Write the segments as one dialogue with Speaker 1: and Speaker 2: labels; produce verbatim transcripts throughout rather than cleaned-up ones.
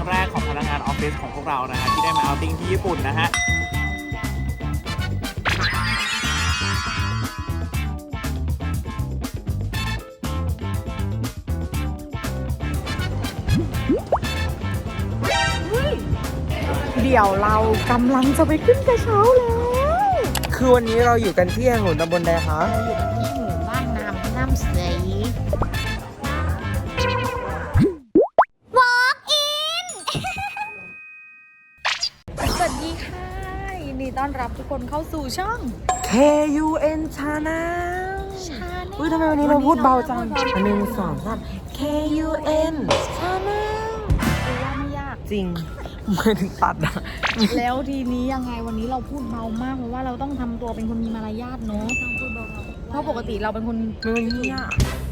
Speaker 1: แรกของพนักงานออฟฟิศของพวกเรานะฮะที่ได้มาเอาติ้งที่ญี่ปุ่นนะฮะ
Speaker 2: เดี๋ยวเรากำลังจะไปขึ้นกระเช้าแล้ว
Speaker 3: คือวันนี้เราอยู่กันที่แห่งหนตำบลใดคะ
Speaker 2: เราอยู่กันที่หมู่บ้านน้ำน้ำใส Walk in สวัสดีค่ะยินดีต้อนรับทุกคนเข้าสู่ช่อง
Speaker 3: เค ยู เอ็น Channel
Speaker 2: ชาแนล
Speaker 3: อุ้ยทำไมวันนี้เราพูดเบาจังอันหนึ่งสองสาม เค ยู เอ็น Channel
Speaker 2: คือว่าไม่ยาก
Speaker 3: จริงไม่ถึงตัดนะ
Speaker 2: แล้วทีนี้ยังไงวันนี้เราพูดเบามากเพราะว่าเราต้องทำตัวเป็นคนมีมารยาทเนอะต้องพูดเบาๆเพราะปกติเราเป็นคน
Speaker 3: ไม่เงี้ย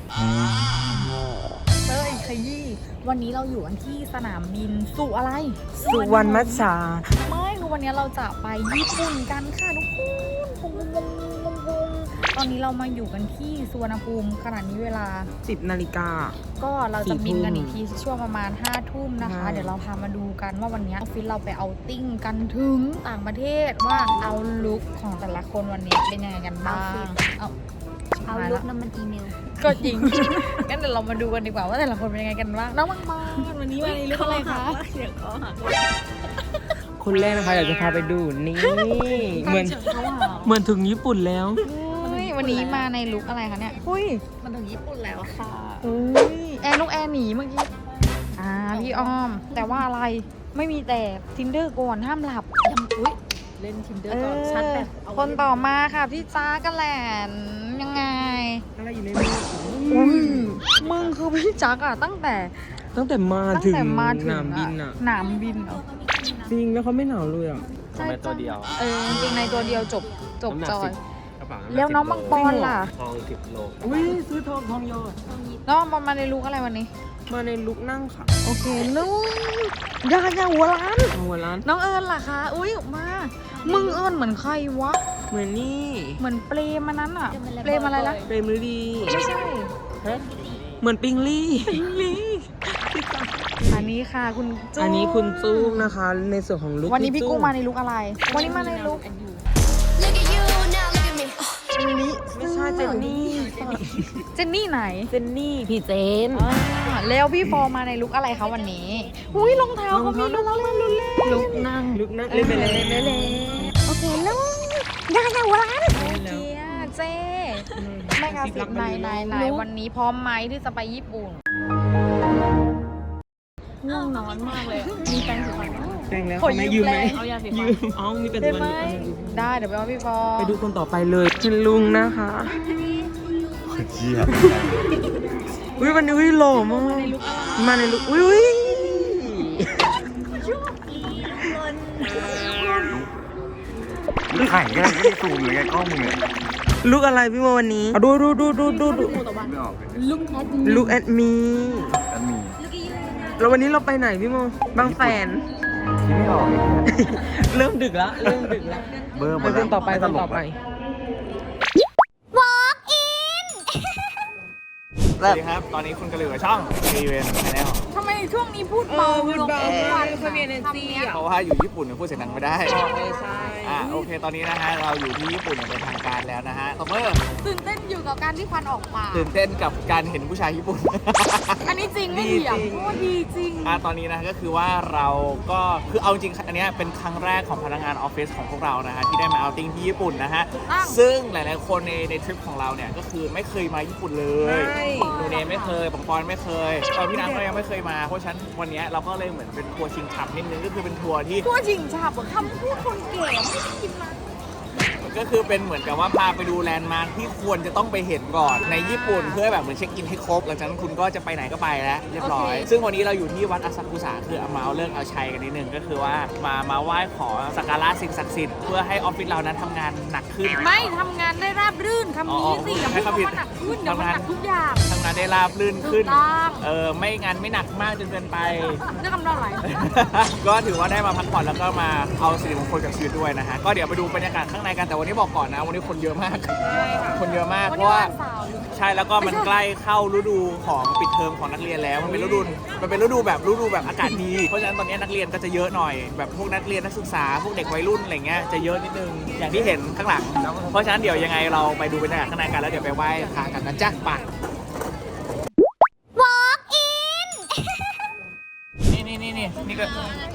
Speaker 2: เต้ยขยี้วันนี้เราอยู่กันที่สนามบินสุอะไร
Speaker 3: สุวรรณมัชชา
Speaker 2: ไม่คือวันนี้เราจะไปญี่ปุ่นกันค่ะทุกคนวงวงวงวงตอนนี้เรามาอยู่กันที่สุวรรณภูมิขณะนี้เวลา
Speaker 3: สิบนาฬิกา
Speaker 2: ก็เราจะบินกัน
Speaker 3: สี่ทุ่ม
Speaker 2: อีกทีช่วงประมาณห้าทุ่มนะคะ
Speaker 3: ใช่
Speaker 2: เดี๋ยวเราพามาดูกันว่าวันนี้ออฟฟิศเราไปเอาติ้งกันถึงต่างประเทศว่าเอาลุคของแต่ละคนวันนี้เป็นยังไงกันบ้างเอา
Speaker 4: เอาลุกน้ำมันอีเมล
Speaker 2: ก็จริง งั้นเดี๋ยวเรามาดูกันดีกว่าว่าแต่ละคนเป็นยังไงกันบ้างน้องมังมานวันนี้มาในลุคอะไรคะ
Speaker 4: เสียงคอหัก
Speaker 3: คนแรกนะคะอยากจะพาไปดูนี่ เหมือน
Speaker 2: เขาหา
Speaker 3: เหมือนถึงญี่ปุ่นแล้ว
Speaker 2: เฮ้ยวันนี้มาในลุคอะไรคะเนี่ยหุ้ย
Speaker 4: มันถึงญี่ปุ่นแล้วค่ะ
Speaker 2: อุ้ยแอร์นกแอร์หนีเมื่อกี้อ่าพี่อ้อม แต่ว่าอะไรไม่มีแต่ tinder ก่อนห้ามหลับ
Speaker 4: ยังอุ้ยเล่นทินเดอร์ก่อนชัดแบบเอา
Speaker 2: คนต่อมาค่ะพี่จ้ากันแหลนยังไง
Speaker 3: อะไรอยู่ในมือ
Speaker 2: อุ้ยมึงคือพี่จักอะตั้งแต่
Speaker 3: ตั้งแต่มา
Speaker 2: ตั้ง
Speaker 3: ถึง
Speaker 2: แต่มาถึ
Speaker 3: ส
Speaker 2: ง
Speaker 3: นามบินอ่ะ
Speaker 2: หนามบินเหรอ
Speaker 3: จริงแล้วเขาไม่หนาวเลยอ่ะ
Speaker 1: ทำไมตัวเดียว
Speaker 2: เออจริงในตัวเดียวจบจบ
Speaker 1: น้ำหนัก
Speaker 2: จอ
Speaker 1: สิ
Speaker 2: ย
Speaker 1: บกระเป๋า
Speaker 2: แล้วน้องมังปอนล่ะ
Speaker 1: ทองสิบโล
Speaker 3: อุ้ยซื้อทองทองโยน
Speaker 2: น้องมังปอนมาในลุคอะไรวันนี้
Speaker 3: มาในลุกนั่งค่ะ
Speaker 2: โอเคนู้นยายาหัวล้าน
Speaker 3: หัวร้าน
Speaker 2: น้องเอิญล่ะคะ อุ้ยมา มึงเอิญเหมือนใครวะ
Speaker 3: เหมือนนี่
Speaker 2: เหมือนเปรมอันนั้นอะเปรมอะไรล่ะ
Speaker 3: เปรมฤดี
Speaker 2: ไม่ใช่
Speaker 3: เหมือนปิงลี่
Speaker 2: ปิงลีอันนี้ค่ะคุณจุ๊
Speaker 3: อันนี้คุณจู้นะคะ ในส่วนของลุก
Speaker 2: วันนี้พี่กุ้งมาในลุคอะไร วันนี้มาในลุค
Speaker 4: Look at you now look at me
Speaker 2: ลิ
Speaker 3: ไม่ใช่เจนนี่
Speaker 2: เจนนี่ไหน
Speaker 3: เจนนี่พี่เจน
Speaker 2: อ่าแล้วพี่ฟอร์มาในลุคอะไรคะวันนี้อุ้ยรองเท้าเขามีลุคเล่นลุคเล่น
Speaker 3: ลุกนั่งลุกนั่งเล่นไปเลย
Speaker 2: เล่นไปเลยโอเคแล้วยายาหัวล้านโอเคอะเจ๊แม่กาสิบนายนายนายวันนี้พร้อมไหมที่จะไปญี่ปุ่นง่วงนอนมากเลย มีแฟนสีฟัน
Speaker 3: แจ้งแล้ว
Speaker 2: ขอ
Speaker 3: เขาไม่
Speaker 2: ยื
Speaker 3: ยื
Speaker 2: ม
Speaker 3: มไหม
Speaker 2: แรง
Speaker 4: เอายาสี
Speaker 3: ยื
Speaker 4: ฟัน
Speaker 3: มอ๋อมีเป็น
Speaker 2: ได้
Speaker 3: ตัว
Speaker 2: ไหม
Speaker 3: นี้
Speaker 2: ได้เดี๋ยวไปเอาพี่ฟอ
Speaker 3: ไปดูคนต่อไปเลยเป็นลุงนะคะ
Speaker 1: เชี่ย
Speaker 3: อุ้ยวันนี้อุ้ยหล่อมากมาในลุกอุ้ยอุ้ย
Speaker 1: มึงถ่ายกันไม่ได้ซูมเลยไงกล้องมึงเนี่ย
Speaker 3: ลุกอะไรพี่โมวันนี้ดูดูดูดูดูดู
Speaker 1: ไม่ออกเลย
Speaker 4: ลุกแอด
Speaker 3: ลุกแอดมี
Speaker 1: อันนี้
Speaker 3: แล้ววันนี้เราไปไหนพี่โมบางแสน
Speaker 1: คิดไม่ออกเลย
Speaker 3: เริ่มดึกแล้วเริ่มดึกแล้ว
Speaker 1: เบอร์หม
Speaker 3: ไป
Speaker 1: ด
Speaker 3: คนต่อไปคนต่อไป
Speaker 1: สวัสดีครับ ตอนนี้คุณกระเหลือช่อง เค ยู เอ็น Channel
Speaker 2: ทำไมช่วงนี้พูดเบาลงทุกวัน
Speaker 3: เขามี energy อ่ะ
Speaker 1: เพราะว่าอยู่ญี่ปุ่นเนี่ยพูดเสียงดังไม่ได้
Speaker 3: เออใช่
Speaker 1: อ่าโอเค ตอนนี้นะฮะ เราอยู่ที่ญี่ปุ่นอย่างเป็นทางการแล้วนะฮะคอมเมอร์
Speaker 2: ตื่นเต้นอยู่กับการที่ควันออกปาก
Speaker 1: ตื่นเต้นกับการเห็นผู้ชายญี่ปุ่น
Speaker 2: อันนี้จริงไม่เถียงเพราะว่าดีจริง
Speaker 1: อ่าตอนนี้นะก็คือว่าเราก็คือเอาจริงอันเนี้ยเป็นครั้งแรกของพนักงานออฟฟิศของพวกเรานะฮะที่ได้มาเอาติ้งที่ญี่ปุ่นนะฮะ
Speaker 2: อ้าว
Speaker 1: ซึ่งหลายๆคนในในทริปของเราเนี่ยก็คือไม่เคยมาญี่ปุ่นเลย
Speaker 3: ใช่
Speaker 1: ดูเนไม่เคยปังปอนไม่เคยตอนพี่น้ำก็ยังไม่เคยมาเพราะฉะนั้นวันเนี้ยเราก็เลยเหมือนเป็นทัวร์ชิงฉับนิดนึงก็คือเป็นทัวร์ที่
Speaker 2: ตัวจริงฉาบคำพูดคนเก๋ไม่ได้กินมา
Speaker 1: ก็คือเป็นเหมือนกับว่าพาไปดูแลนด์มาร์คที่ควรจะต้องไปเห็นก่อนในญี่ปุ่นเพื่อแบบเหมือนเช็คอินให้ครบหลังจากนั้นคุณก็จะไปไหนก็ไปแล้วเรียบร้อย ซึ่งวันนี้เราอยู่ที่วัดอาซากุสะคือเอามาเอาเรื่องเอาชัยกันนิดนึงก็คือว่ามามาไหว้ขอสักการะสิ่งศักดิ์สิทธิ์เพื่อให้ออฟฟิศเรานั้นทำงานหนักขึ้น
Speaker 2: ไม่ทำงานได้ราบรื่นคำนี้สิอย่าพูดคำว่าหนักขึ้นเดี๋ยวมันหนักทุกอย่าง
Speaker 1: ทำงานได้ราบรื่นขึ้น
Speaker 2: ถูกต้อง
Speaker 1: เออไม่งานไม่หนักมากจนเกินไป
Speaker 2: เรื่องคำนองไหล
Speaker 1: ก็ถือว่าได้มาพักผ่อนแล้วก็มาเอาสิริมงคลกับชีวิตด้วยนะฮะก็เดี๋ยวไปดูบรรยากาศข้างในกันแต่วันนี้บอกก่อนนะวันนี้คนเยอะมากคนเยอะมาก
Speaker 2: วัน
Speaker 1: เพ
Speaker 2: นี้
Speaker 1: ราะว่า
Speaker 2: วันเสาร์
Speaker 1: ใช่แล้วก็มันใกล้เข้าฤดูของปิดเทอมของนักเรียนแล้วมันเป็นฤดูมันเป็นฤดูแบบฤดูแบบอากาศดีเพราะฉะนั้นตอนนี้นักเรียนก็จะเยอะหน่อยแบบพวกนักเรียนนักศึกษาพวกเด็กวัยรุ่นอะไรเงี้ยจะเยอะนิดนึงอย่างที่เห็นข้างหลังเพราะฉะนั้นเดี๋ยวยังไงเราไปดูบรรยากาศข้างในกันแล้วเดี๋ยวไปไหว้พระกันนะจ๊ะไปนี่นี่นี่นี่นี่ก็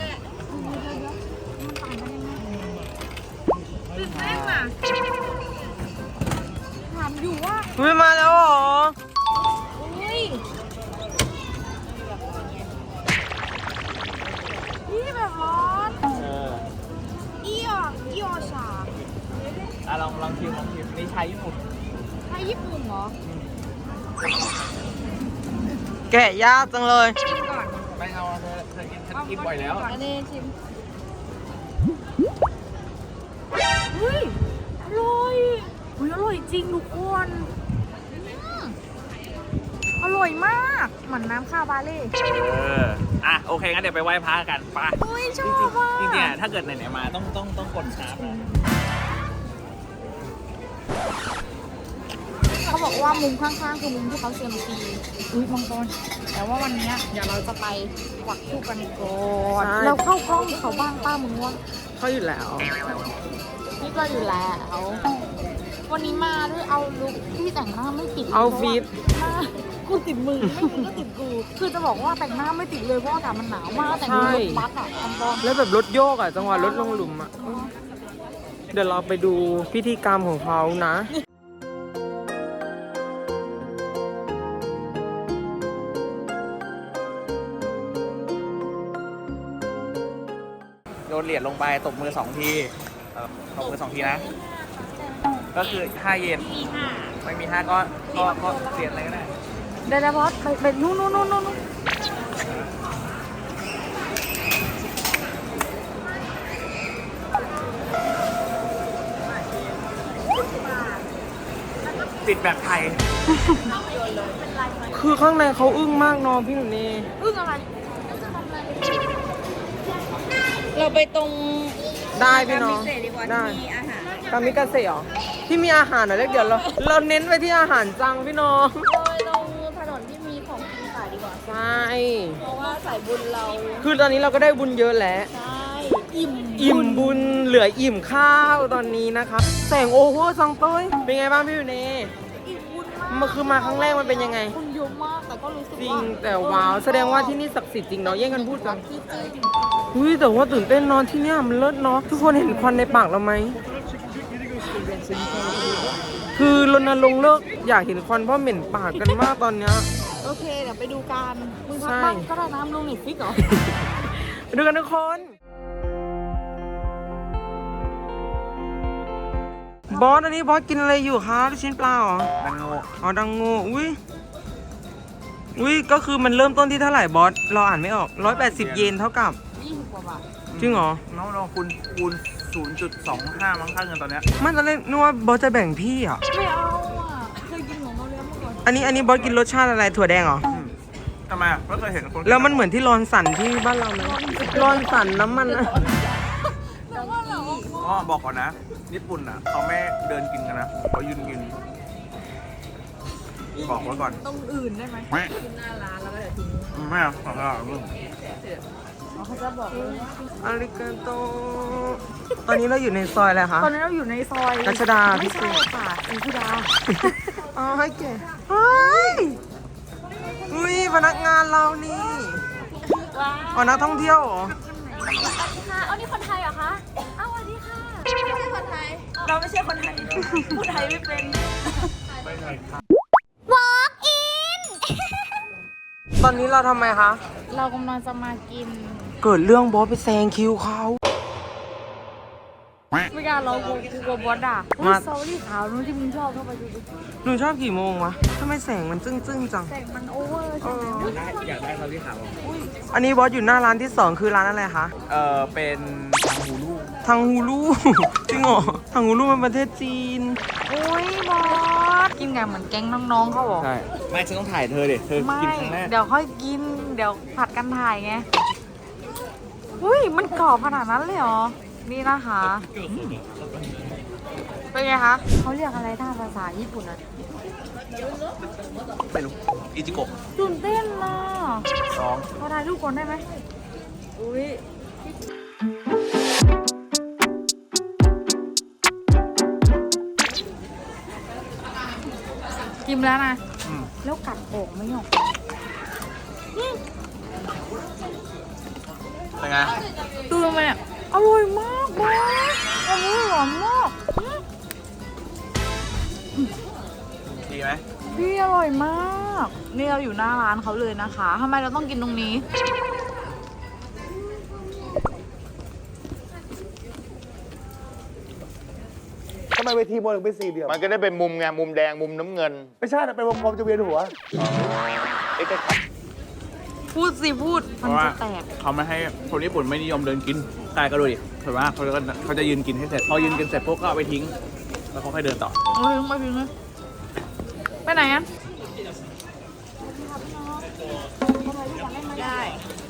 Speaker 2: ตื่นเต้นอ่ะถามอยู่ว่า
Speaker 3: อุ้ยมาแล้วเหรอ
Speaker 2: อุ้ยนี่แบบร้อน
Speaker 1: เออ
Speaker 2: อีออกอีออชา
Speaker 1: อ่ะลองลองชิมลองชิมนี่ชาญี่ปุ่น
Speaker 2: ไทยญี่ปุ่นเหรอ
Speaker 3: แกะยากจังเลย
Speaker 2: ชิมก่อน
Speaker 1: ไม่เอาเธอเธอกินฉันกินบ่อยแล้ว
Speaker 2: อันนี้ชิมเฮ้ยอร่อยเฮ้ยอร่อยจริงทุกคนอืมอร่อยมากเหมือนน้ำข้าวบาเล่
Speaker 1: เอออ่ะโอเคงั้นเดี๋ยวไปไหว้พระกันไป
Speaker 2: เฮ้ยชอบอ่ะ
Speaker 1: จริงๆจริงๆอ่ะถ้าเกิดไหนๆมาต้องต้องต้องกดชาร์จนะ
Speaker 2: เขาบอกว่ามุมข้างๆคือมุมที่เขาเซียมซีอุ้ยมังกรแต่ว่าวันเนี้ยเดี๋ยวเราจะไปกวักทูบกันก่อน
Speaker 3: ใช่
Speaker 2: เราเข้ากล้องเขาบ้างป้ามึงว่า
Speaker 3: เขาอยู่แล้ว
Speaker 2: นี่ก็อยู่แล้ววันนี้มาด้วยเอาลุคที่แต่งหน้าไม่ติด
Speaker 3: เอาฟีด
Speaker 2: หน้ากูติดมือไม่มึงก็ติดกูคือจะบอกว่าแต่งหน้าไม่ติดเลยเพราะอากาศมันหนาวมากแต่งมือรถบัสอ่ะมังกร
Speaker 3: แล้วแบบรถโยกอ่ะ จังหวะรถลงหลุมอ่ะ เดี๋ยวเราไปดูพิธีกรรมของเขานะ
Speaker 1: โยนเหรียญลงไปตบมือสองทีเออตบมือสองทีนะ ก็คือห้าเยนไม่มีห้าก็ก็ก็เหรียญอะไรก็ได้
Speaker 2: เดี๋ยวบอสไปไปนู่นนู่นนู่นนู่น
Speaker 1: ติดแบบไทย
Speaker 3: คือข้างในเขาอึ้งมากเนอะพี่หนูนี่
Speaker 2: อึ้งอะไรเราไปตรง
Speaker 3: ได้พี่น้อง
Speaker 2: พิเศษดีกว่า
Speaker 3: ได้
Speaker 2: ที่มีอาหาร
Speaker 3: กามิกาเซ่เหรอที่มีอาหารเหรอเล็กเดี๋ยวเราเราเน้นไปที่อาหารจังพี่น้อง
Speaker 2: เราไปตรงถนนที่มีของกินขายดีกว่า
Speaker 3: ใช่
Speaker 2: เพราะว่าสายบุญเรา
Speaker 3: คือตอนนี้เราก็ได้บุญเยอะแล้ว
Speaker 2: ใช่อิ่ม
Speaker 3: อิ่มบุญเหลืออิ่มข้าวตอนนี้นะคะ แสงโอเวอร์ซังเต้ยเป็นไงบ้างพี่อยู่เน่
Speaker 2: อิ่มบุญมาก
Speaker 3: มันคือมาครั้งแรกมันเป็นยังไง
Speaker 2: บุญเยอะมากแต่ก็รู้สึก
Speaker 3: จริ
Speaker 2: ว่าง
Speaker 3: แต่ว้าว แสดงว่าที่นี่ศักดิ์สิทธิ์จริงเนาะแย่งกันพูดกัน
Speaker 2: ที่จริง
Speaker 3: อุ้ยแต่ว่าตื่นเต้นเนอนที่เนี่ยมันเลิศเนาะทุกคนเห็นควันในปากเราไหมคือรณรงค์เลิกอยากเห็นควันเพราะเหม็นปากกันมากตอนเนี้ย
Speaker 2: โอเคเดี๋ยวไปดูกันมึงพัก
Speaker 3: ใช่
Speaker 2: บ้างก็ได้น้ำลงเน็ตฟิกเหรอ
Speaker 3: ไปดูกันทุกคนบอสอันนี้บอสกินอะไรอยู่คะลูกชิ้นปลาเหรอ
Speaker 1: ดังโง่
Speaker 3: อ๋อดังโง่อุ้ยอุ้ยก็คือมันเริ่มต้นที่เท่าไหร่บอสเราอ่านไม่ออกร้อยแปดสิบเยนเท่ากับ
Speaker 2: ยี่สิบกว่าบาท
Speaker 3: จริงเหรอ
Speaker 1: น้องน้องคูณคูณศูนย์จุดสองห้ามั้งค่าเงินตอนเนี้ย
Speaker 3: ไม่ตอนแรกนึกว่าบอสจะแบ่งพี่อ่ะ
Speaker 2: ไม่เอาอ่ะเคยกินของเราแล้วเมื่อก่อน
Speaker 3: อันนี้อันนี้บอสกินรสชาติอะไรถั่วแดงเหรอ
Speaker 1: อืมทำไมอ่ะไม่เคยเห็นคน
Speaker 3: แล้วมันเหมือนที่รอนสันที่บ้านเราไหมรอนสันน้ำมันอะ
Speaker 2: แล้วว่าเรา
Speaker 1: อ๋อบอกก่อนนะ ญี่ปุ่นอ่ะเขาไม่เดินกินกันนะเขายืนกิน บอกไว้ก่อน
Speaker 2: ตรงอื่นได้ไหม
Speaker 1: ไม่
Speaker 2: กินหน้าร้านแล้วก็เดี๋ยวทิ้ง
Speaker 1: ไม่เอาขอโทษมึง
Speaker 2: เขาจะบอกเลย
Speaker 3: อาริกาโตตอนนี้เราอยู่ในซอยอะไรคะ
Speaker 2: ตอนนี้เราอยู่ในซอย
Speaker 3: รัชดา
Speaker 2: ไม่ใช่ค่ะอินทิดา
Speaker 3: อ๋อให้แกเฮ้ยอุ้ยพนักงานเรานี่
Speaker 2: ว้า
Speaker 3: อ๋อนักท่องเที่ยวเหรอ
Speaker 2: ค่ะเอานี่คนไทยเหรอคะอ้าวสวัสดีค่ะไม่ใช่คนไทย เราไม่ใช่คนไทยพูดไทยไม่เป็น
Speaker 3: ตอนนี้เราทำไมคะ
Speaker 2: เรากำลังจะมากิน
Speaker 3: เกิดเรื่องบอสไปแซงคิวเขา
Speaker 2: ไม่กล้าเรากลัวกลัวบอสด่าอุ้ยซอรี่ขาวนู้นที่มึงชอบเข้าไปดูดิ
Speaker 3: หนูชอบกี่โมงวะทำไมแสงมันจึ้งจึ้งๆจัง
Speaker 2: แต่งมันโอเวอร์ใช่ไหมอุ๊ย
Speaker 1: อยากได้เขาที่ขาว
Speaker 3: อันนี้บอสอยู่หน้าร้านที่สองคือร้านอะไรคะ
Speaker 1: เออเป็นทางฮูลู
Speaker 3: ทางฮูลู จริงเหรอทางฮูลูมันประเทศจีน
Speaker 2: อุ้ยบอสกินกันเหมือนแก๊งน้องๆเขาบอก
Speaker 1: ใช่ไม่ฉันต้องถ่ายเธอดิเธอ
Speaker 2: ไม่
Speaker 1: กินครั้งแรก
Speaker 2: เดี๋ยวค่อยกิน เดี๋ยวผัดกันถ่ายไง อุ้ย มันกรอบขนาดนั้นเลยเหรอ นี่นะคะเป็นไงคะ เขาเรียกอะไรถ้าภาษาญี่ปุ่นอ่ะ
Speaker 1: ไม่รู้อิจิโกะ
Speaker 2: ตื่นเต้นนะ
Speaker 1: ร้อง
Speaker 2: เขาถ่ายรูปก่อนได้ไหมอุ้ยกินแล้วนะ
Speaker 1: อืม
Speaker 2: แล้วกัดออกไม่ออก
Speaker 1: เป็นไง
Speaker 2: ตื่นมาเนี่ยอร่อยมากบอสอร่อยหวานมาก
Speaker 1: ดีไหม
Speaker 2: พี่อร่อยมาก นี่เราอยู่หน้าร้านเขาเลยนะคะทำไมเราต้องกินตรงนี้
Speaker 5: ทำไมเวทีมวยถึงเป็นสี่เหลี่ยม
Speaker 6: มันก็ได้เป็นมุมไงมุมแดงมุมน้ำเงิน
Speaker 5: ไม่ใช่นะเป็นวงกลมจะเวียนหัว
Speaker 6: เอ๊ะ
Speaker 2: พูดสิพูด
Speaker 1: เพ
Speaker 2: มัน
Speaker 1: ราะว่า
Speaker 2: จะแตก
Speaker 1: เขาไม่ให้คนญี่ปุ่นไม่นิยมเดินกินกายก็ดูดิเห็นว่าเขาจะเขาจะยืนกินให้เสร็จ พอยืนกินเสร็จปุ๊บก็เอาไปทิ้ง แล้วเขาค่อยเดินต่อ
Speaker 2: โอ้ยไม่พิงเลยไปไหนกันได้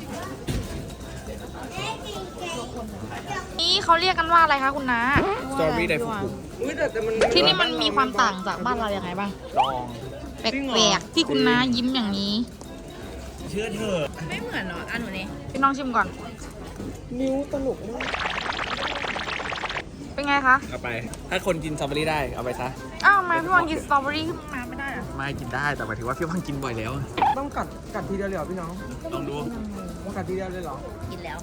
Speaker 2: นี่เขาเรียกกันว่าอะไรคะคุณน้า
Speaker 1: Strawberry Daifuku
Speaker 3: อุ้ยแต่แต่มัน
Speaker 2: ที่นี่มันมีความต่างจากบ้านเราอย่างไรบ้าง
Speaker 1: ลอง
Speaker 2: แปลกๆที่คุณน้ายิ้มอย่างนี้
Speaker 1: เชื่อเถอะ
Speaker 4: ไม่เหมือนเหรออันหนูนี่
Speaker 2: พี่น้องชิมก่อน
Speaker 3: นิ้วตลกมาก
Speaker 2: เป็นไงคะ
Speaker 1: เอาไป ถ้าคนกินสตรอเบอรี่ได้ เอาไปซะ
Speaker 2: อ้าวทำไมพี่วังกินสตรอเบอรี่ขึ้นมาไม่ได้อะ
Speaker 1: ไม่กินได้ แต่หมายถึงว่าพี่วังกินบ่อยแล้ว
Speaker 3: ต้องกัดกัดทีเดียวเลยเหรอพี่น้อง
Speaker 1: ลองดู
Speaker 3: ต้องกัดทีเดียวเลยเหรอ
Speaker 4: กินแล้ว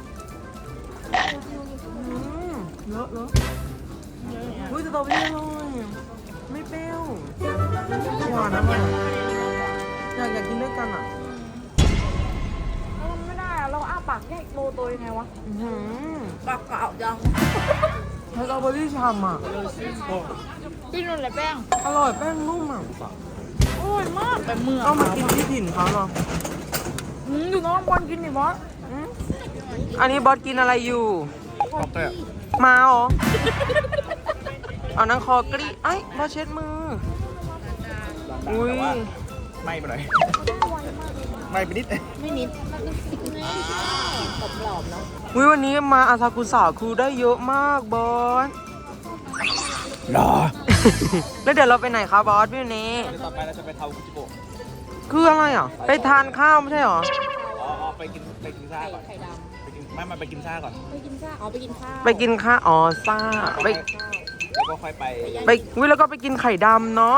Speaker 3: อืมเลอะเลอะอุ้ยสตรอเบอรี่อร่อยไม่เปรี้ยวหวานนะมันอยากอยากกินด้วยกันอ่ะ
Speaker 2: เราไม่ได้อะเราอ้าปากแยกโตตัวยังไงวะ
Speaker 3: อื้อหือ
Speaker 4: ปากเก่าจัง
Speaker 3: สตรอเบอรี่ฉ่ำอ่ะ
Speaker 2: พี่นุ่นเลยแป้ง
Speaker 3: อร่อยแป้งนุ่มอ่ะ
Speaker 2: อร่อยมากแต่เมือง
Speaker 3: เอามากินที่ถิ่นเขาเนาะ
Speaker 2: อืมอยู่น้องบอลกินดิบอส
Speaker 3: อันนี้บอสกินอะไรอยู่
Speaker 1: บ็อกเกอร์
Speaker 3: มาเหรอ เอานังคอกรีไอ้ยบอสเช็ดมือ อุ้ย
Speaker 1: ไม่ไปหน่อยไม่ไปนิด
Speaker 4: ไม่นิดกรอบกรอบๆเนาะ
Speaker 3: อุ้ยวันนี้มาอาซากุสะคือได้เยอะมากบอส
Speaker 1: รอ
Speaker 3: แล้วเดี๋ยวเราไปไหนคะบอสพี่เน
Speaker 1: ต่อไปเราจะไปเทาคุจิโกะ
Speaker 3: คืออะไรอ่ะ ไปทานข้าวไม่ใช่เหรอ
Speaker 1: อ๋ออ๋อไปกินไปกินซ่าก่อน
Speaker 4: ไข่ด
Speaker 1: ไปกินไม่มาไปกินซ่าก่อน
Speaker 4: ำไปกินข้าวอ๋อไปกินข้าว
Speaker 3: ไปกินข้าวอ๋อซ่าไป
Speaker 1: แล้วก็ค่อยไป
Speaker 3: ไปอุ้ยแล้วก็ไปกินไข่ดำเนาะ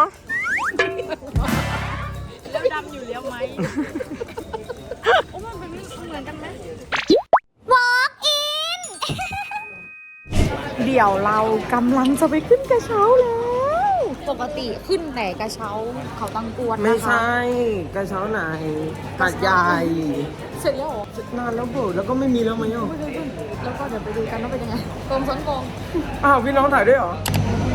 Speaker 2: แล้วดำอยู่แล้วไหมโอ้มันเป็นเหมือนกันไหม เดี๋ยวเรากำลังจะไปขึ้นกระเช้าแล้ว ปกติขึ้นแต่กระเช้าเขาตังกวนนะคะ
Speaker 3: ไม่ใช่กระเช้าไหนหาดใหญ่
Speaker 2: เสร็จแล้วเหรอน
Speaker 3: านแล้วเบิร์แล้วก็ไม่มีแล้วมั้ยอ่ะ
Speaker 2: ไม่เคยขึ้นแล้วก็เดี๋ยวไปดูกันว่าเป็นยังไงโกงซ้อนโกง
Speaker 3: อ้าวพี่น้องถ่ายด้วยเหรอ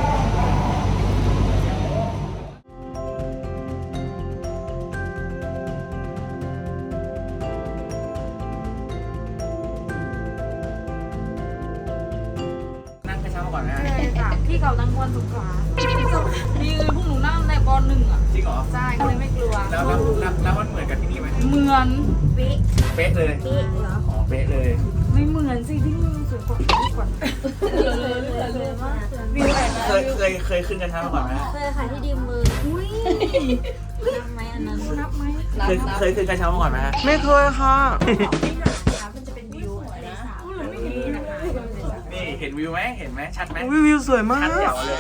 Speaker 1: นั่งกระเช้าก่อนนะ
Speaker 2: ใช่ค่ะที่เขาตังกวนสงขลามีพวกหนูนั่งในปหนึ่งอ่ะ
Speaker 1: จริงเหรอ
Speaker 2: ใช่ก็เลยไม่กลัว
Speaker 1: แล้วแล้วแล้วแล้วมันเหมือนกับที่นี่ไหม
Speaker 2: เหมือนเป๊ะ
Speaker 1: เป๊ะเลย
Speaker 2: เป๊ะเหรอ
Speaker 1: อ๋อ เป๊ะเลย
Speaker 2: ไม่เหมือนสิที่นี่สวยกว่าที่ก่อนเหลือเลยเหลือเลยมากวิวแอบ
Speaker 1: เคยเคยเคยขึ้นกระเช้ามาก่อนไหม
Speaker 4: เคยค่ะที่ดีมือ
Speaker 2: อุ้ย
Speaker 4: นับไหมอันนั้น
Speaker 2: นับไหม
Speaker 1: เคยเคยขึ้นกระเช้ามาก่อนไหมฮะ
Speaker 3: ไม่เคยค่ะ
Speaker 4: มันจะเป็นวิวอะไรนะ
Speaker 1: นี่เห็นวิวไหมเห็นไหมชัดไหม
Speaker 3: วิววิวสวยมา
Speaker 1: ชัด
Speaker 3: ก
Speaker 1: เดี่ยวเลย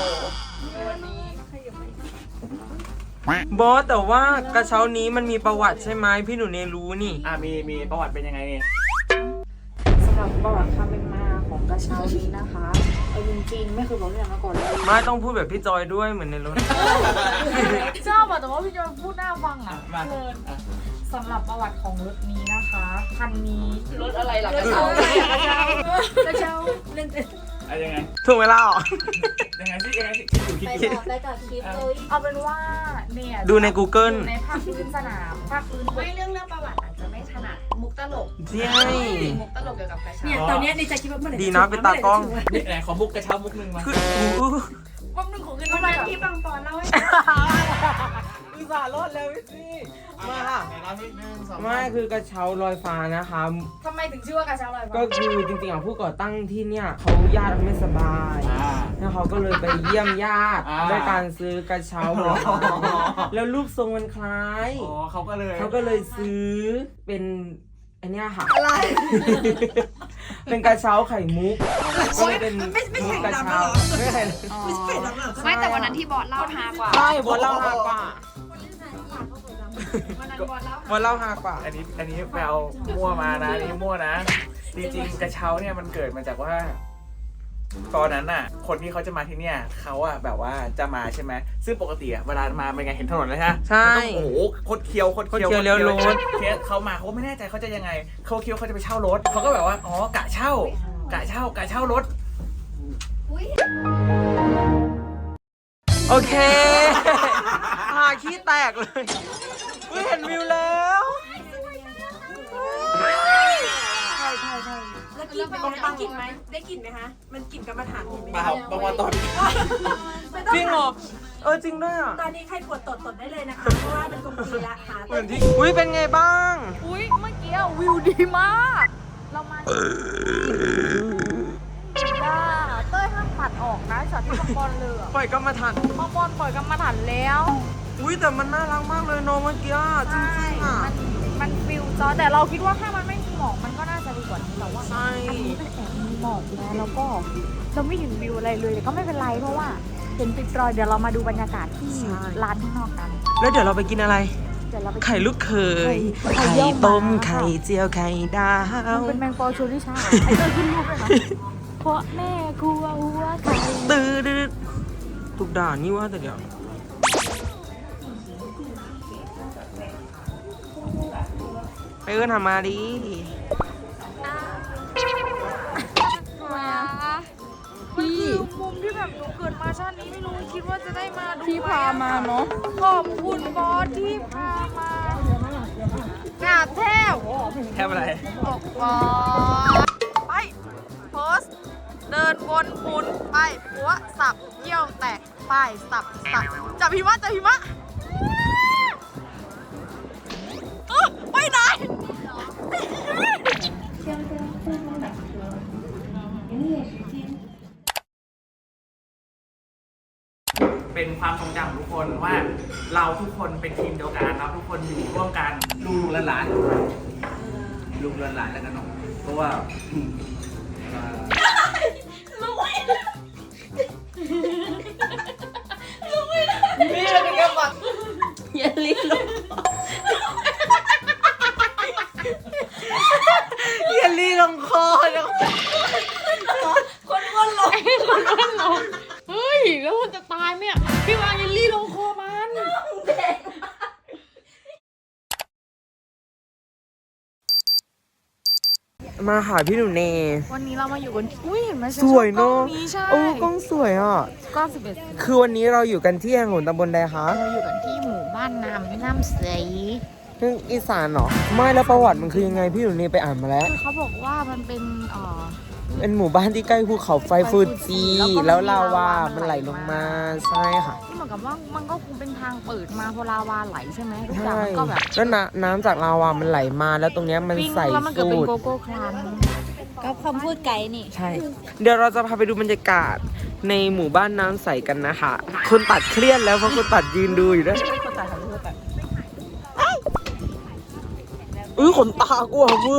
Speaker 3: บอสแต่ว่ากระเช้านี้มันมีประวัติใช่ไหมพี่หนูเนรู้นี่
Speaker 1: อ่ะมีมีประวัติเป็นยังไงนี่
Speaker 2: สำหรับประวัติความเป็นมาของกระเช้านี้นะคะเอาจริงๆไม่เคยบอกเรื่องมาก่อนเลย
Speaker 3: ไม่ต้องพูดแบบพี่จอยด้วยเหมือนในรถ
Speaker 2: ชอบอะแต่ว่าพี่จอยพูดน่าฟังอะ
Speaker 1: มา
Speaker 2: เพลินสำหรับประวัติของรถนี้นะคะคันนี้รถ
Speaker 4: อะไรหรอก
Speaker 2: กระเช้ากระเช้าเล่น
Speaker 1: อะยังไง
Speaker 3: ถูกเวลาเหรอ
Speaker 1: ยังไงสิยังไงสิคิดอยู่คิด
Speaker 4: ไป
Speaker 1: อยู่
Speaker 4: ต่อไปต่อคลิปเลย
Speaker 2: เอาเป็นว่าเนี่ย
Speaker 3: ดูใน Google
Speaker 2: อยู่ในภาคพื้นสนามภาคพื้น
Speaker 4: ไม่เรื่องเรื่องประวัติอาจจะไม่ถนัดมุกตลก
Speaker 3: ใช่
Speaker 4: มุกตลกเกี่ยวกับกระเช้า
Speaker 2: เนี่ยตอนเนี้ยในใจคิดว่าเมื่อไหร่
Speaker 3: ดีนะเป็นตากล้อง
Speaker 1: นี่ไหนขอมุกกระเช้ามุกหนึ่งมา
Speaker 3: คืออู้
Speaker 2: วันหนึ่งของเงิน
Speaker 4: วั
Speaker 2: เท่าน ไหร่
Speaker 4: นั้น
Speaker 2: อะ
Speaker 4: ที่บางปอนเล่าให้
Speaker 3: อุตส่าห์รอดแล้วพี่ซี่มาค่ะ
Speaker 1: ไหนรอบที่หนึ่งสอง
Speaker 3: ไม่คือกระเช้าลอยฟ้านะคะ
Speaker 2: ทำไมถึงชื่อว่ากระเช้าลอยฟ้า
Speaker 3: ก็คือจริงๆอ่ะผู้ก่อตั้งที่เนี่ยเขาญาติไม่สบาย
Speaker 1: อ่า
Speaker 3: แล้วเขาก็เลยไปเยี่ยมญาติ
Speaker 1: อ่า
Speaker 3: ด้วยการซื้อกระเช้าลอยฟ้าแล้วรูปทรงมันคล้าย
Speaker 1: อ๋อเขาก็เลย
Speaker 3: เขาก็เลยซื้อเป็นอันเนี้ยค่ะอะไร เป็นกระเช้าไข่มุกก็เลยเป็นมุกกระเช้าไม่ใช่
Speaker 4: ไม่แต่วันนั้นที่บอสเล่าฮากว่า
Speaker 3: ใช่บอลเล่าฮากว่า
Speaker 4: วันนั้นบอสเล่า
Speaker 3: บอลเล่าฮากว่า
Speaker 1: อันนี้อันนี้ไปเอามั่วมานะอันนี้มั่วนะ จริงๆกระเช้าเนี่ยมันเกิดมาจากว่า ตอนนั้นน่ะ คนที่เขาจะมาที่เนี่ยเขาอะแบบว่าจะมาใช่ไหมซึ่งปกติอะเวลามาเป็นไงเห็นถนนเลยฮะ
Speaker 3: ใช่
Speaker 1: มันต้องโอ้โหคดเคี้ยวคดเคี้ยว
Speaker 3: คดเคี้ยวเลี้ยวรถ
Speaker 1: เคสเขามาเขาไม่แน่ใจเขาจะยังไงเขาคิดว่าเขาจะไปเช่ารถเขาก็แบบว่าอ๋อกะเช่ากะเช่ากะเช่ารถ
Speaker 3: โอเคหาขี้แตกเลยอุ๊ยเห็นวิวแล้วใช่ใช่ใช่
Speaker 7: แล้วกินได้กลิ่นไหมได้กลิ่นไหมคะ มันกลิ่นกรรมฐานเห็นไหม
Speaker 1: เปล่าบางวันตอน
Speaker 3: จริงเหรอเออจริงด้วยอ่ะ
Speaker 7: ตอนนี้ใครปวดตดตดได้เลยนะคะ เพราะว่าเป็นกลมกลืนละหา
Speaker 3: เหมือนที่อุ้ยเป็นไงบ้าง
Speaker 2: อุ้ยเมื่อกี้วิวดีมาก เรามาจ้าเต้ยห้ามตัดออกนะช็อตที่บางบอลเลยอะ
Speaker 3: ปล่อยก็มาทัน
Speaker 2: บางบอลปล่อยกรรมฐานแล้ว
Speaker 3: อุ้ยแต่มันน่ารักมากเลยเนาะเมื่อกี้อ่ะจริงๆอ่ะ
Speaker 2: มันมันฟิลจอแต่เราคิดว่าถ้ามันไม่มีหมอกมันก็น่าจะดีกว่านี้แต่ว่า
Speaker 3: ใช่
Speaker 2: อันนี้มันแอบมีหมอกนะแล้วก็เราไม่เห็นวิวอะไรเลยแต่ก็ไม่เป็นไรเพราะว่าเห็นติดรอยเดี๋ยวเรามาดูบรรยากาศที่ร้านข้างนอกกัน
Speaker 3: แล้วเดี๋ยวเราไปกินอะไร
Speaker 2: เดี๋ยวเราไป
Speaker 3: ไข่ลูกเขย
Speaker 2: ไข่
Speaker 3: ไข่
Speaker 2: เยี่ยวม้า
Speaker 3: ต้มไข่เจียวไข่ดา
Speaker 2: มัน
Speaker 3: ว
Speaker 2: เป็นแมงปอชูริชาไอ้เต้ยขึ้นรูปเลยนะเพราะแม่กลัวหัวไข่
Speaker 3: ตื้อดื้อถูกด่านี่ว่าแต่เดี๋ยวไปเอื้อนทำมาดิ
Speaker 2: มันคือมุมที่แบบหนูเกิดมาชาตินี้ไม่รู้คิดว่าจะได้มาดูที่พามาเนาะขอบคุณบอสที่พามากราบแทบ
Speaker 1: แทบอะไร
Speaker 2: บอกบอสไปโพสเดินวนหมุนไปหัวสับเยี่ยวแตกไปสับสับจับพิมะจับพิมะเอ้อไปไหน
Speaker 1: เป็นความทรงจำของทุกคนว่าเราทุกคนเป็นทีมเดียวกันเราทุกคนอยู่ร่วมกันลูกหลานๆลูกหลานๆแล้วกันเนาะเพราะว่าอืมอ่า
Speaker 4: อย่าลิ้นลง
Speaker 3: เยลลี่ลงคอเดี๋ยว
Speaker 4: คนอ้วนลงคนอ้วนลงเฮ้ยแล้วมันจะตายไหมอ่ะพี่วางเยลลี่ลงคอมัน
Speaker 3: มาหาพี่หนูเน
Speaker 2: วันนี้เรามาอยู่กันอุ้ยเห็นไหม
Speaker 3: สวยเนาะ
Speaker 2: นี้ใช่
Speaker 3: โอ้กล้องสวยอ่ะ
Speaker 2: กล้องสิบเอ็ด
Speaker 3: คือวันนี้เราอยู่กันที่แห่งหนตำบลใดคะ
Speaker 2: เราอยู่กันที่หมู่บ้านน้ำน้ำใส
Speaker 3: เรื่องอีสานเหรอ ไม่แล้วประวัติมันคือยังไงพี่หนูเนไปอ่านมาแล้ว
Speaker 2: คือเขาบอกว่ามันเป็นเอ่อ
Speaker 3: เป็นหมู่บ้านที่ใกล้ภูเขาไฟฟูจิ
Speaker 2: แล้วก็มี
Speaker 3: แล้วลาวา
Speaker 2: ลาวามั
Speaker 3: มัน
Speaker 2: น
Speaker 3: ไห
Speaker 2: ไห
Speaker 3: ล
Speaker 2: ล
Speaker 3: ล
Speaker 2: ล
Speaker 3: ง
Speaker 2: ง
Speaker 3: มา
Speaker 2: มา
Speaker 3: ใช่ค่ะ
Speaker 2: ที่เหมือนกับว่ามันก็คงเป็นทางเปิดมาพอลาวาไหลใช่ไหมทุกอย่าง
Speaker 3: ใช่
Speaker 2: มันก็แบบ
Speaker 3: แล้วน้ำน้ำจากลาวามันไหลมาแล้วตรงเนี้ยมัน
Speaker 2: ปิ้ง
Speaker 3: ใส
Speaker 2: แล้วมันเกิด
Speaker 3: สู
Speaker 2: เป็น
Speaker 3: ด
Speaker 2: โกโก้ครัน
Speaker 4: ก็คำพูดไกด์นี่
Speaker 3: ใช่ เดี๋ยวเราจะพาไปดูบรรยากาศในหมู่บ้านน้ำใสกันนะคะคนตัดเครียดแล้วเพราะคนตัดยืนดูอยู่ด้วยอุ้ยขนตากลัวมือ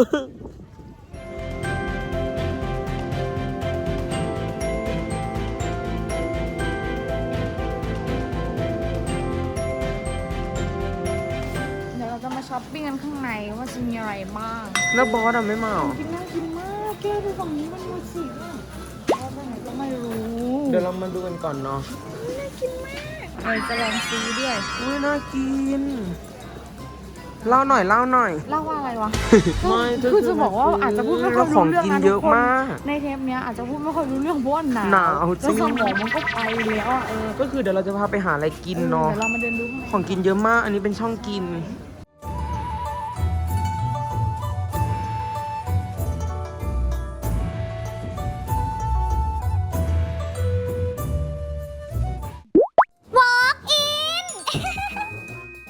Speaker 2: เดี๋ยวเราจะมาช้อปปิ้งกันข้างในว่าจะมีอะไรบ้าง
Speaker 3: แล้วบอสอะไม่มาเหรอ
Speaker 2: กินน่ากินมากแก้ดูฝั่งนี้มันดูสิว่าไปไหนก็ไม่รู้
Speaker 3: เดี๋ยวเรามาดูกันก่อนเนาะ
Speaker 2: เราจะลองซื้อด้วย
Speaker 3: อุ้ยน่ากิน เล่าหน่อยเล่าหน่อย
Speaker 2: เล่าว่าอะไรวะ
Speaker 3: ไม่
Speaker 2: คือจะบอกว่าอาจจะพูดไม่ค่อยรู้เรื่อง
Speaker 3: ของกิน
Speaker 2: นะ
Speaker 3: เย
Speaker 2: ทุ
Speaker 3: อะ
Speaker 2: กคน
Speaker 3: มาก
Speaker 2: ในเทปเนี้ยอาจจะพูดไม่ค่อยรู้เรื่องเพราะว่าหนาว
Speaker 3: หนาวจริ
Speaker 2: แล้ว
Speaker 3: ง
Speaker 2: สมองมันก็ไปแล้วอ่ะเออ
Speaker 3: ก็คือเดี๋ยวเราจะพาไปหาอะไรกินเนาะ
Speaker 2: เดี๋ยวเรามาเดินดูข้างใน
Speaker 3: ของกินเยอะมาก อันนี้เป็นช่องกิน
Speaker 4: Walk in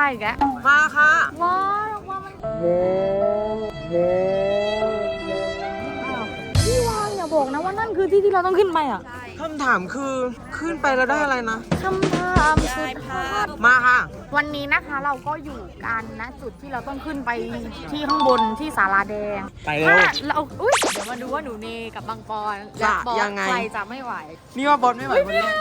Speaker 2: อีกแล้ว
Speaker 3: มาค่ะ
Speaker 2: ว้าวว้าวมันพี่วานอย่าบอกนะว่านั่นคือที่ที่เราต้องขึ้นไปอ่ะ
Speaker 3: คำถามคือขึ้นไปแล้วได้อะไรนะ
Speaker 2: คำถามสุดฮอต
Speaker 3: มาค่ะ
Speaker 2: วันนี้นะคะเราก็อยู่กันนะจุดที่เราต้องขึ้นไปที่ข้างบนที่ศาลาแดง
Speaker 1: ไปเร็ว
Speaker 2: ถ้าเราอุ้ยเดี๋ยวมาดูว่าหนูเนกับบางปอนและบอสใครจะไม่ไหว
Speaker 3: นี่ว่าบอสไม่ไหวคนแรก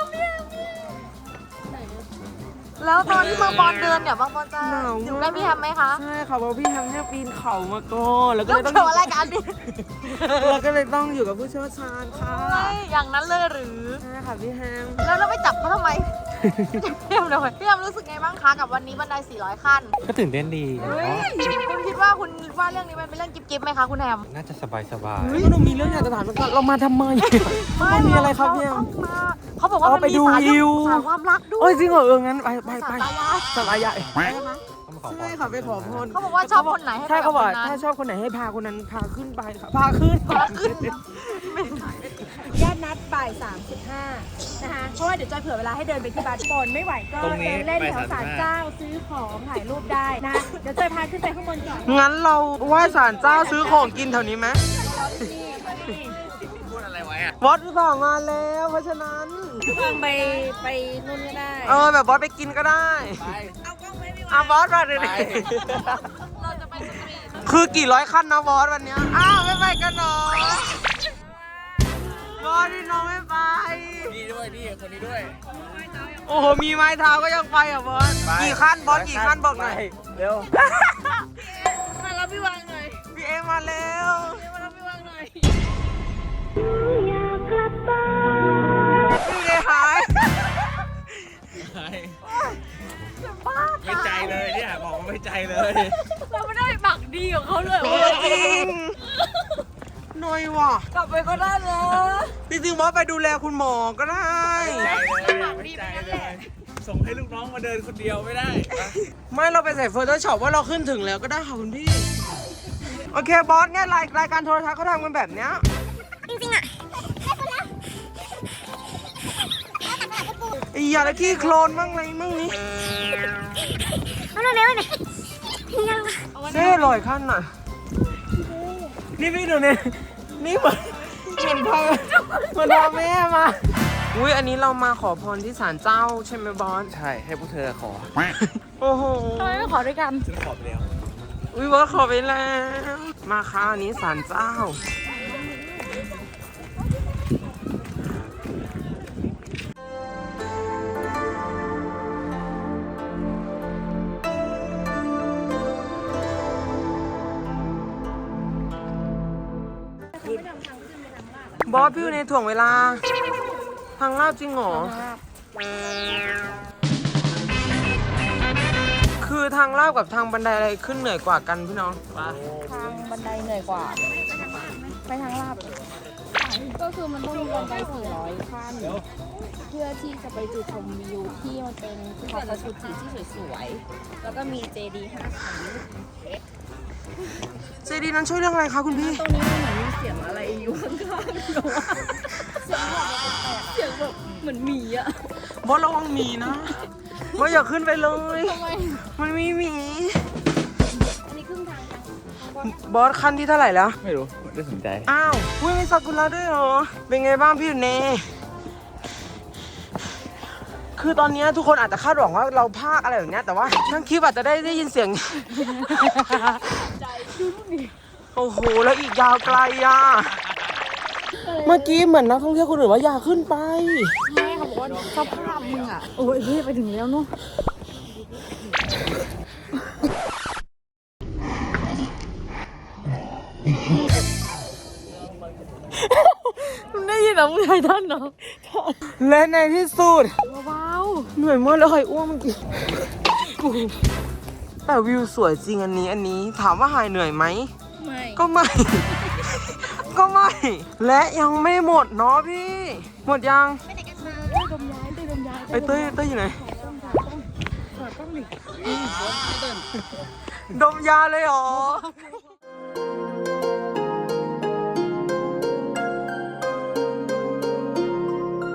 Speaker 2: แล้วตอนที่บางปอนเดินเนี่ยบางปอนจะ
Speaker 3: หนาว
Speaker 2: อยู่ใกล้พี่แฮมไหมคะ
Speaker 3: ใช่ค่ะเพราะพี่แฮมเนี่ยปีนเขามาก่อนแล้วก็
Speaker 2: แล้
Speaker 3: เล
Speaker 2: วย
Speaker 3: ต้อง
Speaker 2: เกี่ยวอะไรกันดิ
Speaker 3: เราก็เลยต้องอยู่กับผู้เชี่ยวชาญค่ะ
Speaker 2: ไม่อย่างนั้นเลยหรือ
Speaker 3: ใช่ค่ะพี่แฮม
Speaker 2: แล้วเราไม่จับเขาทำไม พี่แฮมทำไมพี่แฮมรู้สึกไงบ้างคะกับวันนี้บันไดสี่ร้อยขั้น
Speaker 8: ก็ตื่นเต้นดี
Speaker 2: เฮ้ยคุณคิดว่าคุณว่าเรื่องนี้มันเป็นเรื่องกิ๊บๆไหมคะคุณแฮม
Speaker 8: น่าจะสบายสบาย
Speaker 3: เฮ้ยหนูมีเรื่องอยากจะถามก่อนเรามาทำไมมันมีอะไรครับพี่แฮม
Speaker 2: ต้องมาเขาบอกว่า
Speaker 3: อ๋อ
Speaker 2: มัน
Speaker 3: ไป
Speaker 2: มี
Speaker 3: ดู
Speaker 2: สาร
Speaker 3: วิว
Speaker 2: สารความรักด้วย
Speaker 3: โอ้ยจริงเหรอเอองั้นไปไปไป
Speaker 2: สารตายาย
Speaker 3: สลายใหญ่
Speaker 8: ต้องมาขอพร
Speaker 3: ใช่ค่ะไปขอพร
Speaker 2: เขาบอกว่าชอบคนไหนให้
Speaker 3: ใช่
Speaker 2: ไปกั
Speaker 3: เขา
Speaker 2: บ
Speaker 3: บอก
Speaker 2: คนนั้น
Speaker 3: ถ้าชอบคนไหนให้พาคนนั้นพาขึ้นไปค่ะพาขึ้น
Speaker 2: พาขึ้น
Speaker 7: ญาตินัดบ่ายสามสิบห้านะคะเพราะว่าเดี๋ยวจอยเผื่อเวลาให้เดินไปที่บาสบนไม่ไหวก็
Speaker 1: ตรงนี้
Speaker 7: เดินเล่น
Speaker 1: ไป
Speaker 7: แถวศาล
Speaker 1: สามสิบห้า
Speaker 7: เจ้าซื้อของถ่ายรูปได้นะเดี๋ยวจอยพาขึ้นไปข้างบนก่อน
Speaker 3: งั้นเราไหว้ศาลเจ้าซื้อของกินแถวนี้ไหม
Speaker 1: พูดอะไรไว้อะ
Speaker 3: วัดต่อมาแล้วเพราะฉะนั้น
Speaker 7: วางไปไปนู่นก็ได้
Speaker 3: เออแบบบอสไปกินก็ได้
Speaker 1: ไป
Speaker 3: อ่ะบอสมาเลย
Speaker 1: ไป
Speaker 2: เราจะไปสตรีท
Speaker 3: คือกี่ร้อยขั้นนะบอสวันเนี้ยอ้าวไม่ไปกันเหรอบอสพี่น้องไม่ไป
Speaker 1: นี่ด้วยนี่คนนี้ด้วย
Speaker 3: โอ้โหมีไม้เท้าก็ยังไปอ่ะบอส
Speaker 1: ไป
Speaker 3: กี่ขั้นบอสกี่ขั้นบอกหน่อย
Speaker 1: ไปเร็ว
Speaker 2: มาแล้วพี่วางหน่อย
Speaker 3: พี่เอมาแล้ว
Speaker 2: มาแล้วพี่วางหน่อย
Speaker 3: พี่เอหาย
Speaker 1: ไม่ใจเลยเนี่ยบอกว่าไม่ใจเลย
Speaker 2: เราไม่ได้ไปปักดีของเขาเลย
Speaker 3: เออจริงหน่อยว่ะ
Speaker 2: กลับไปก็ได้เลย
Speaker 3: จริงๆบอสไปดูแลคุณหมอก็ได้
Speaker 1: ใจเลยไม่ใจเลย ส่งให้ลูกน้องมาเดินคนเดียวไม่ได้
Speaker 3: ไม่เราไปใส่โฟโต้ช็อปว่าเราขึ้นถึงแล้วก็ได้ค่ะคุณพี่ โอเคบอสเนี่ยรายรายการโทรทัศน์เขาทำกันแบบเนี้ยจริงๆอ่ะไอ้ยาแล้วขี้โคลนบ้างอะไรบ้างนี่เซ่ลอยขั้นน่ะนี่พี่ดูเนี่ยนี่เหมือนเหมือนพาเหมือนพาแม่มาอุ้ยอันนี้เรามาขอพรที่ศาลเจ้าใช่ไหมบอส
Speaker 1: ใช่ให้พวกเธอขอ
Speaker 3: โอ้โห
Speaker 2: ทำไมไม่ขอด้วยกัน
Speaker 1: ฉันขอไปแล้ว
Speaker 3: อุ้ยบอสขอไปแล้ว มาค่ะอันนี้ศาลเจ้า บอสพี่อยู่ในถ่วงเวลา ทางลาดจริงเหรอ คือทางลาดกับทางบันไดอะไรขึ้นเหนื่อยกว่ากันพี่น้องปะ
Speaker 2: ทางบันไดเหนื่อยกว่า ไปทางลาบ ก็คือมันต้องมีบันไดสี่ร้อยขั้น เพื่อที่จะไปจุดชมวิวที่มันเป็นเขากระสุจิที่สวยๆ แล้วก็มีเจดีย์ห้าชั้น
Speaker 3: เจดีย์นั้นช่วยเรื่องอะไรคะคุณพี่
Speaker 2: ตรงนี้มันเหมือนมีเสียงอะไรอยู่ข้างๆหนูว่าเสียงแบบเสียงแบบเหมือนหมีอะ
Speaker 3: บอสระวังหมีนะบอสอย่าขึ้นไปเลย
Speaker 2: ทำไม
Speaker 3: มันมีหมี
Speaker 2: อันนี้ครึ่งทางยัง
Speaker 3: บอสขั้นที่เท่าไหร่แล้ว
Speaker 1: ไม่รู้ไม่ได้สนใจ
Speaker 3: อ้าวอุ้ยมีซากุระด้วยเหรอ เป็นไงบ้างพี่อยู่เน คือตอนนี้ทุกคนอาจจะคาดหวังว่าเราพากอะไรแบบเนี้ยแต่ว่าทั้งคลิปอาจจะได้ได้ยินเสียง โอ้โห แล้วอีกยาวไกลอ่ะ เมื่อกี้เหมือนนักท่องเที่ยวคนอื่นว่าอย่าขึ้นไป
Speaker 2: แม่เขาบอกว่าสภาพมึงอะโอ้ยพี่ไปถึงแล้วเนาะมึงได้ยินเหรอมึงไททันเหรอ
Speaker 3: และในที่สุด
Speaker 2: เบา
Speaker 3: เหนื่อยมากแล้วใครอ้วกเมื่อกี้กูแต่วิวสวยจริงอันนี้อันนี้ถามว่าหายเหนื่อยไหม
Speaker 2: ไม่
Speaker 3: ก็ไม่ ก็ไม่ และยังไม่หมดเนาะพี่ หมดยัง
Speaker 2: ดมย้ายเต้ยดมย้าย
Speaker 3: ไอ้เต้ยเต้ยอยู่ไหน ดมยาเลยเหรอ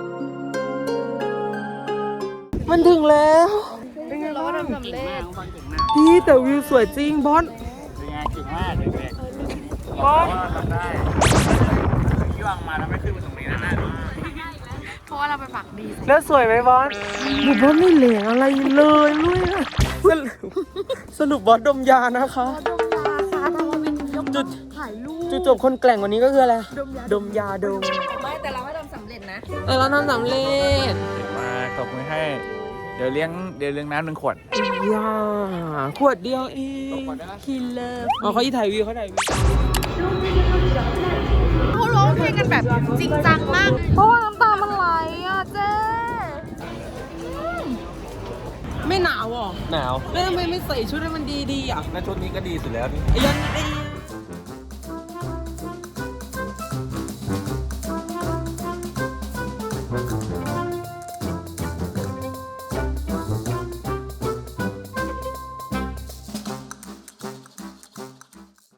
Speaker 3: มันถึงแล้ว เป็นไงบ้าง
Speaker 2: สำเร็จ
Speaker 3: พี่แต่วิวสวยจริงบอส
Speaker 1: เป็นไงเก่งมากเด็ก
Speaker 3: บอส
Speaker 1: ๆทำได้ที่วางมาแล้วไม่ขึ้นมาตรงนี้นะนะ
Speaker 4: เพราะว่าเราไปปักดี
Speaker 3: แล้วสวยไหมบอสบุบอสไม่เหลงอะไรเลยลุยนะสรุปสรุปบอสดมยานะคะจุด
Speaker 2: ถ่ายรูป
Speaker 3: จุดจบคนแกล่งวันนี้ก็คืออะไรดมยาดม
Speaker 2: ไม่แต่เราไม่ทำสำเร็จนะ
Speaker 3: เออเราทำสำเร็จ
Speaker 1: เก่งมากตบมือให้ เดี๋ยวเลี้ยงเดี๋ยวเลี้ยงน้ำหนึ่งขวด
Speaker 3: ยาขวดเดียวเองคิลเลอร์อ๋อเขาอีถ่ายวิวเขาถ่ายวิว
Speaker 4: เขาร้องเพลงกันแบบจริงจังมาก
Speaker 2: เพราะว่าน้ำตามันไหลอ่ะเจ๊
Speaker 3: ไม่หนาวหรอ
Speaker 8: หนาว
Speaker 3: แล้วทำไมไม่ใส่ชุดให้มันดีๆอ่ะ
Speaker 8: แล้วชุดนี้ก็ดีสุดแล้วนี่
Speaker 3: ยันดี